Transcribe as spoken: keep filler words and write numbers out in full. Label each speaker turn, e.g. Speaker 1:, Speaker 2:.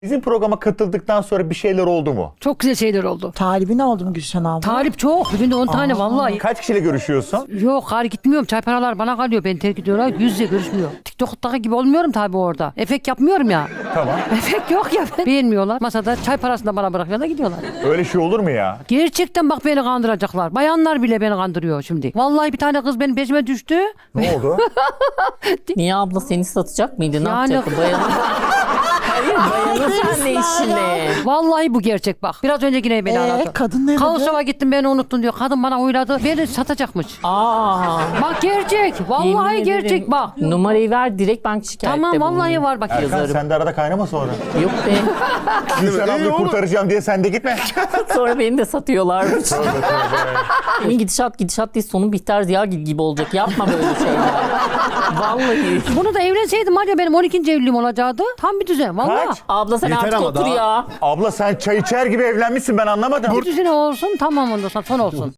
Speaker 1: Bizim programa katıldıktan sonra bir şeyler oldu mu?
Speaker 2: Çok güzel şeyler oldu.
Speaker 3: Talibi ne oldu mu Gülşen abla?
Speaker 2: Talip çok. Bugün de on tane vallahi.
Speaker 1: Kaç kişiyle görüşüyorsun?
Speaker 2: Yok hayır gitmiyorum. Çay paralar bana kalıyor. Beni terk ediyorlar. Yüz yüze görüşmüyor. TikTok'taki gibi olmuyorum tabii orada. Efekt yapmıyorum ya.
Speaker 1: Tamam.
Speaker 2: Efekt yok ya. Beğenmiyorlar. Masada çay parasını da bana bırakıyorlar gidiyorlar.
Speaker 1: Öyle şey olur mu ya?
Speaker 2: Gerçekten bak beni kandıracaklar. Bayanlar bile beni kandırıyor şimdi. Vallahi bir tane kız benim peşime düştü.
Speaker 1: Ne oldu?
Speaker 4: Niye abla seni satacak mıydı? Ne
Speaker 2: Yani-
Speaker 4: yapacaktı? Bayanı... Hayır bayanı sen ne işine?
Speaker 2: Vallahi bu gerçek bak. Biraz önce yine beni
Speaker 3: Ee,
Speaker 2: aradı.
Speaker 3: kadın ne dedi?
Speaker 2: Kaosova gittim beni unuttun diyor. Kadın bana uyladı. Beni satacakmış.
Speaker 4: Aa.
Speaker 2: Bak gerçek. Vallahi
Speaker 4: Yemin
Speaker 2: gerçek
Speaker 4: ederim.
Speaker 2: bak.
Speaker 4: Numarayı ver direkt bank şikayette
Speaker 2: Tamam vallahi
Speaker 4: bulunayım.
Speaker 2: var bak.
Speaker 1: Erkan
Speaker 4: Yazarım.
Speaker 1: sen de arada kaynama sonra.
Speaker 4: Yok be.
Speaker 1: Gülşen ablayı kurtaracağım diye sen de gitme.
Speaker 4: Sonra beni de satıyorlarmış. Benim gidişat gidişat değil sonun Bihter Ziyagil gibi olacak. Yapma böyle şeyler. Vallahi.
Speaker 2: Bunu da evlenseydim var ya benim on ikinci evliliğim olacaktı. Tam bir düzen vallahi.
Speaker 1: Kaç?
Speaker 4: Abla sen
Speaker 5: Yeter
Speaker 4: artık
Speaker 5: ama
Speaker 4: otur
Speaker 5: daha-
Speaker 4: ya.
Speaker 1: Abla sen çay içer gibi evlenmişsin ben anlamadım.
Speaker 2: Bir düzene olsun tamam ondan sonra son olsun.